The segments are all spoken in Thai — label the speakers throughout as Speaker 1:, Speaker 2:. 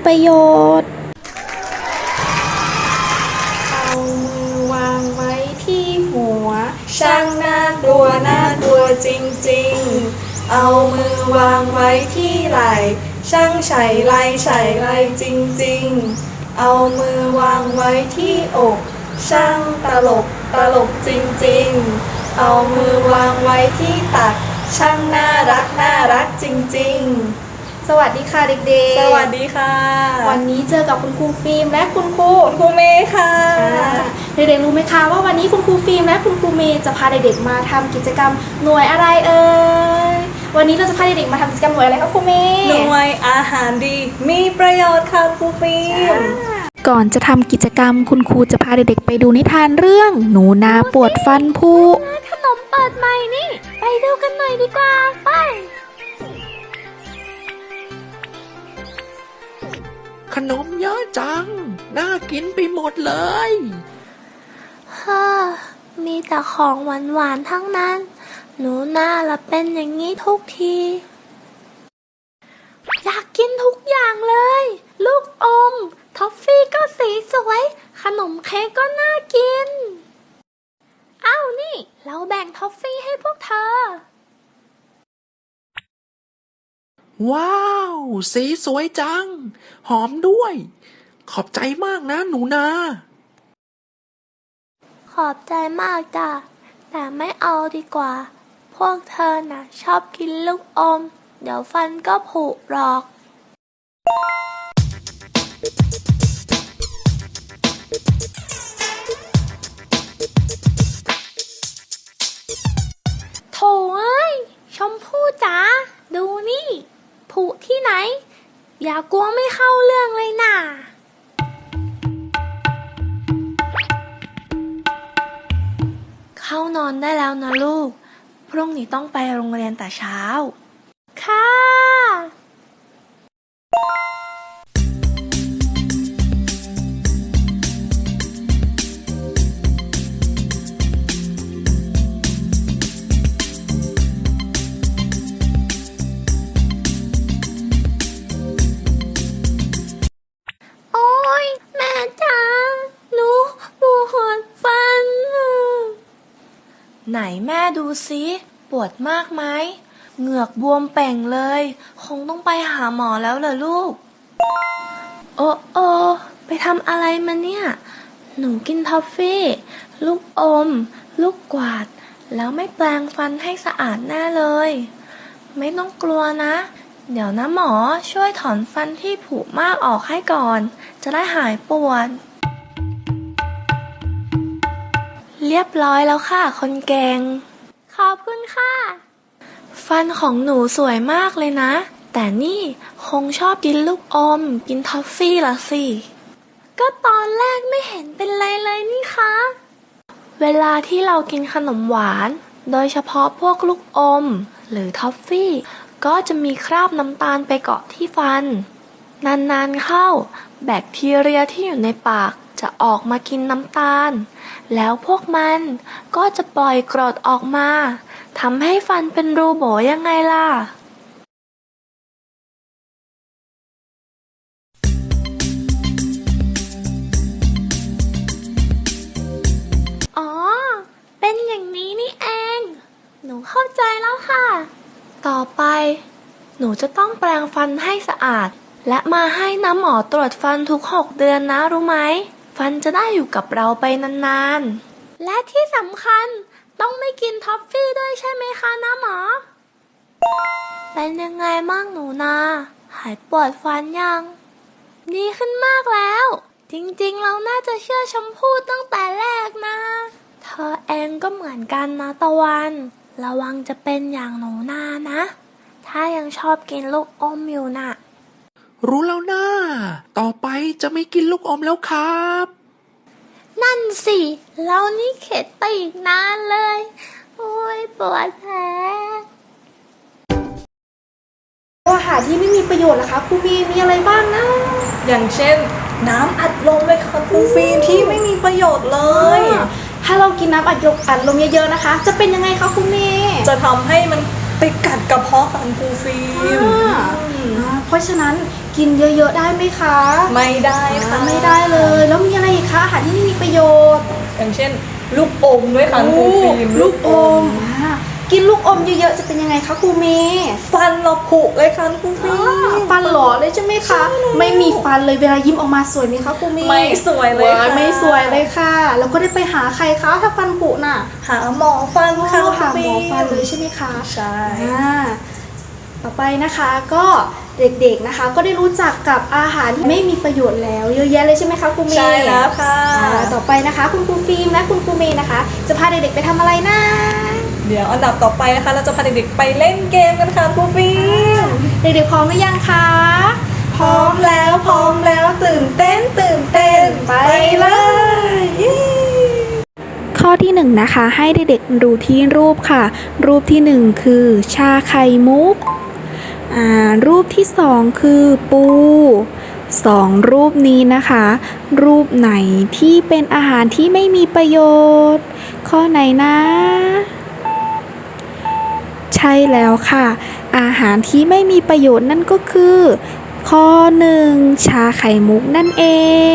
Speaker 1: ประโยชน์
Speaker 2: เอามือวางไว้ที่หัวช่างน่ากลัวน่ากลัวจริงๆเอามือวางไว้ที่ไหล่ช่างไฉไลไฉไลจริงๆเอามือวางไว้ที่อกช่างตลกตลกจริงๆเอามือวางไว้ที่ตักช่างน่ารักน่ารักจริงๆสวัสดีค่ะเด็กๆ
Speaker 3: สวัสดีค่ะ
Speaker 2: วันนี้เจอกับคุณครูฟิล์มและคุณครู
Speaker 3: เมย์ค่ะ
Speaker 2: เด็กๆรู้ไหมคะว่าวันนี้คุณครูฟิล์มและคุณครูเมย์จะพาเด็กๆมาทำกิจกรรมหน่วยอะไรเอ่ยวันนี้เราจะพาเด็กๆมาทำกิจกรรมหน่วยอะไรคะครูเมย์
Speaker 3: หน่วยอาหารดีมีประโยชน์ค่ะครูฟิล์ม
Speaker 1: ก่อนจะทำกิจกรรมคุณครูจะพาเด็กๆไปดูนิทานเรื่องหนูนาปวดฟันผุ
Speaker 4: ขนมเปิดใหม่นี่ไปดูกันหน่อยดีกว่าไป
Speaker 5: ขนมเยอะจังน่ากินไปหมดเลย
Speaker 4: ฮ่ามีแต่ของหวานๆทั้งนั้นหนูน่าละเป็นอย่างนี้ทุกทีอยากกินทุกอย่างเลยลูกอมท็อฟฟี่ก็สีสวยขนมเค้กก็น่ากินอ้าวนี่เราแบ่งท็อฟฟี่ให้พวกเธอ
Speaker 5: ว้าวสีสวยจังหอมด้วยขอบใจมากนะหนูนา
Speaker 4: ขอบใจมากจ้ะแต่ไม่เอาดีกว่าพวกเธอน่ะชอบกินลูกอมเดี๋ยวฟันก็ผุหรอกโถ่เอ้ยชมพู่จ๋าดูนี่ผุที่ไหนอย่ากลัวไม่เข้าเรื่องเลยน่ะเข้านอนได้แล้วนะลูกพรุ่งนี้ต้องไปโรงเรียนแต่เช้าค่ะโอ๊ยแม่จ๋าหนูปวดฟันไหนแม่ดูซิปวดมากไหมเหงือกบวมเป่งเลยคงต้องไปหาหมอแล้วเหรอลูกโอ้ไปทำอะไรมาเนี่ยหนูกินทอฟฟี่ลูกอมลูกกวาดแล้วไม่แปรงฟันให้สะอาดแน่เลยไม่ต้องกลัวนะเดี๋ยวนะหมอช่วยถอนฟันที่ผุมากออกให้ก่อนจะได้หายปวดเรียบร้อยแล้วค่ะคนเก่งขอบคุณค่ะฟันของหนูสวยมากเลยนะแต่นี่คงชอบกินลูกอมกินทอฟฟี่ละสิก็ตอนแรกไม่เห็นเป็นไรเลยนี่คะเวลาที่เรากินขนมหวานโดยเฉพาะพวกลูกอมหรือทอฟฟี่ก็จะมีคราบน้ำตาลไปเกาะที่ฟันนานๆเข้าแบคทีเรียที่อยู่ในปากจะออกมากินน้ำตาลแล้วพวกมันก็จะปล่อยกรดออกมาทำให้ฟันเป็นรูโบยังไงล่ะอ๋อเป็นอย่างนี้นี่เองหนูเข้าใจแล้วค่ะต่อไปหนูจะต้องแปรงฟันให้สะอาดและมาให้น้ำหมอตรวจฟันทุก6 เดือนนะรู้ไหมฟันจะได้อยู่กับเราไปนานๆและที่สำคัญต้องไม่กินท็อฟฟี่ด้วยใช่ไหมคะน้าหมอเป็นยังไงบ้างหนูนาหายปวดฟันยังดีขึ้นมากแล้วจริงๆเราน่าจะเชื่อชมพู่ตั้งแต่แรกนะเธอเองก็เหมือนกันนะตะวันระวังจะเป็นอย่างหนูนานะถ้ายังชอบกินลูกอมอยู่น่ะ
Speaker 5: รู้แล้วนะต่อไปจะไม่กินลูกอมแล้วครับ
Speaker 4: นั่นสิเรานี่เข็ดไปอีกนานเลยโอ้ยปวดแผล
Speaker 2: อาหารที่ไม่มีประโยชน์ล่ะคะครูมีอะไรบ้างนะ
Speaker 3: อย่างเช่นน้ำอัดลมเลยค่ะครูฟิล์มที่ไม่มีประโยชน์เลย
Speaker 2: ถ้าเรากินน้ำอัดลมเยอะๆนะคะจะเป็นยังไงคะครูเมย์
Speaker 3: จะทำให้มันไปกัดกระเพาะของครูฟิล์ม
Speaker 2: เพราะฉะนั้น
Speaker 1: กินเยอะๆได้ไหมคะ
Speaker 3: ไม่ได้ค่ะ
Speaker 1: ไม่ได้เลย แล้วมีอะไรอีกคะอาหารที่ไม่มีประโยชน์
Speaker 3: อย่างเช่น ลูกอมด้วยค่ะครูฟิล์ม
Speaker 1: ลูกอมกินลูกอมเยอะๆจะเป็นยังไงคะครูเมย์
Speaker 3: ฟันเราผุเลยค่ะครูฟิล์ม
Speaker 1: ฟันหล่อเลยใช่ไหมคะไม่มีฟันเลยเวลายิ้มออกมาสวยไหมคะครูเมย์
Speaker 3: ไม่สวยเลยค่ะ
Speaker 1: ไม่สวยเลยค่ะ แล้วก็ได้ไปหาใครคะถ้าฟันผุน่ะ
Speaker 3: หาหมอฟันค่ะ
Speaker 1: หา
Speaker 3: ครู
Speaker 1: หมอ
Speaker 3: ฟิล์
Speaker 1: ฟันเลยใช่ไหมคะ
Speaker 3: ใช่
Speaker 1: ต่อไปนะคะก็เด็กๆนะคะ ก็ได้รู้จักกับอาหารที่ไม่มีประโยชน์แล้วเยอะแยะเลยใช่ไหมคะครูเมย์
Speaker 3: ใช่แล้วค่ะ
Speaker 1: ต่อไปนะคะคุณครูฟิล์มและคุณครูเมย์นะคะ จะพาเด็กๆไปทำอะไรนะ
Speaker 3: เดี๋ยวอันดับต่อไปนะคะ เราจะพาเด็กๆไปเล่นเกมกันค่ะครูฟิล์ม
Speaker 1: เด็กๆพร้อมหรือยังคะ
Speaker 3: พร้อมแล้วตื่นเต้นไปเลยเย้
Speaker 1: ข้อที่หนึ่งนะคะ ให้เด็กๆดูที่รูปค่ะ รูปที่หนึ่งคือชาไข่มุกรูปที่สองคือปูสองรูปนี้นะคะ รูปไหนที่เป็นอาหารที่ไม่มีประโยชน์ ข้อไหนนะ ใช่แล้วค่ะ อาหารที่ไม่มีประโยชน์นั่นก็คือ ข้อหนึ่งชาไข่มุกนั่นเอง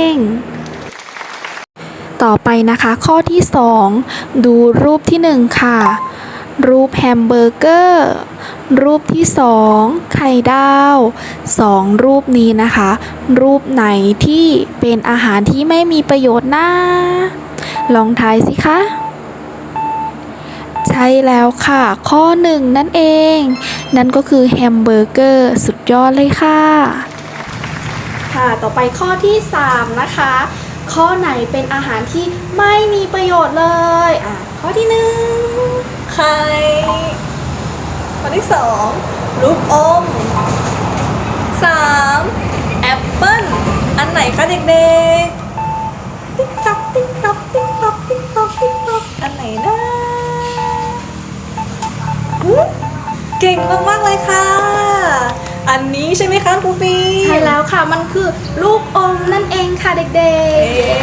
Speaker 1: ต่อไปนะคะข้อที่สองดูรูปที่หนึ่งค่ะ รูปแฮมเบอร์เกอร์ รูปที่สองไข่ดาวสองรูปนี้นะคะ รูปไหนที่เป็นอาหารที่ไม่มีประโยชน์นะลองทายสิคะ ใช่แล้วค่ะข้อหนึ่งนั่นเอง นั่นก็คือแฮมเบอร์เกอร์สุดยอดเลยค่ะ ค่ะต่อไปข้อที่3นะคะ ข้อไหนเป็นอาหารที่ไม่มีประโยชน์เลยข้อที่หนึ่ง
Speaker 3: ไข่ข้อที่สองลูกอมสามแอปเปิ้ลอันไหนคะเด็กๆติ๊กต๊อกติ๊กต๊อกติ๊กต๊อกติ๊กต๊อกติ๊กต๊อกอันไหนนะเก่งมากๆเลยค่ะ อันนี้ใช่ไหมคะครูฟี
Speaker 1: ใช่แล้วค่ะมันคือลูกอมนั่นเองค่ะเด็ก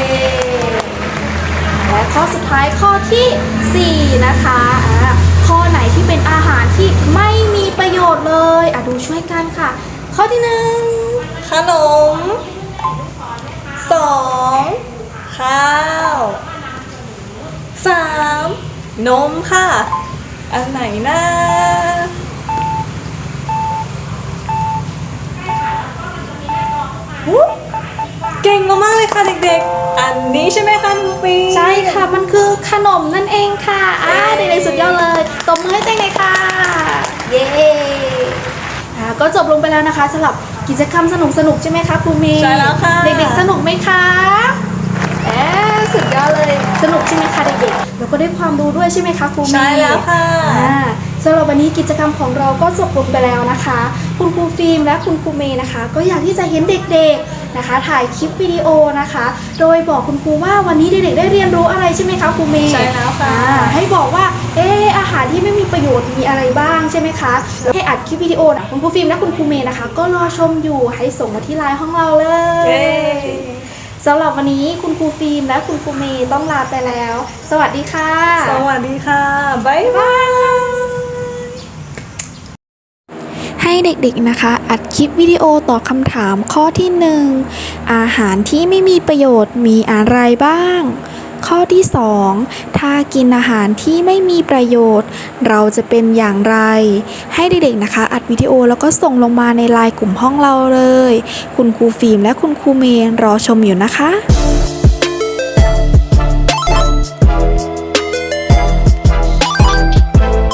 Speaker 1: ๆและข้อสุดท้ายข้อที่4นะคะข้อไหนที่เป็นอาหารที่ไม่มีประโยชน์เลยดูช่วยกันค่ะ ข้อที่หนึ่ง
Speaker 3: ขนมสองข้าวสามนมค่ะ อันไหนนะเก่งมากๆเลยค่ะเด็กๆ อันนี้ใช่ไหมคะครูฟี
Speaker 1: ใช่ค่ะมันคือขนมนั่นเองค่ะเด็กๆสุดยอดเลยตบมือให้เต้นเลยค่ะเย้ก็จบลงไปแล้วนะคะสำหรับกิจกรรมสนุกๆใช่ไหมคะครูเมย์
Speaker 3: ใช่แล้วค่ะ
Speaker 1: เด็กๆสนุกไหมคะสุดยอดเลยสนุกใช่ไหมคะเด็กๆแล้วก็ได้ความรู้ด้วยใช่ไหมคะครูเมย์
Speaker 3: ใช่แล้วค่ะ
Speaker 1: สำหรับวันนี้กิจกรรมของเราก็จบลงไปแล้วนะคะ คุณครูฟิล์มและคุณครูเมย์นะคะ ก็อยากที่จะเห็นเด็กๆนะคะ ถ่ายคลิปวิดีโอนะคะ โดยบอกคุณครูว่าวันนี้เด็กๆได้เรียนรู้อะไรใช่ไหมคะครูเมย์
Speaker 3: ใช่แล้วค่ะ
Speaker 1: ให้บอกว่าอาหารที่ไม่มีประโยชน์มีอะไรบ้างใช่ไหมคะให้อัดคลิปวิดีโอนะคุณครูฟิล์มและคุณครูเมย์นะคะ ก็รอชมอยู่ให้ส่งมาที่ไลน์ของเราเลย
Speaker 3: เย้
Speaker 1: สำหรับวันนี้คุณครูฟิล์มและคุณครูเมย์ต้องลาไปแล้ว สวัสดีค่ะ
Speaker 3: สวัสดีค่ะ บ๊ายบาย
Speaker 1: ให้เด็กๆนะคะ อัดคลิปวิดีโอตอบคำถามข้อที่1อาหารที่ไม่มีประโยชน์มีอะไรบ้าง ข้อที่2ถ้ากินอาหารที่ไม่มีประโยชน์ เราจะเป็นอย่างไร ให้เด็กๆนะคะ อัดวิดีโอแล้วก็ส่งลงมาในไลน์กลุ่มห้องเราเลย คุณครูฟิล์มและคุณครูเมย์รอชมอยู่นะคะ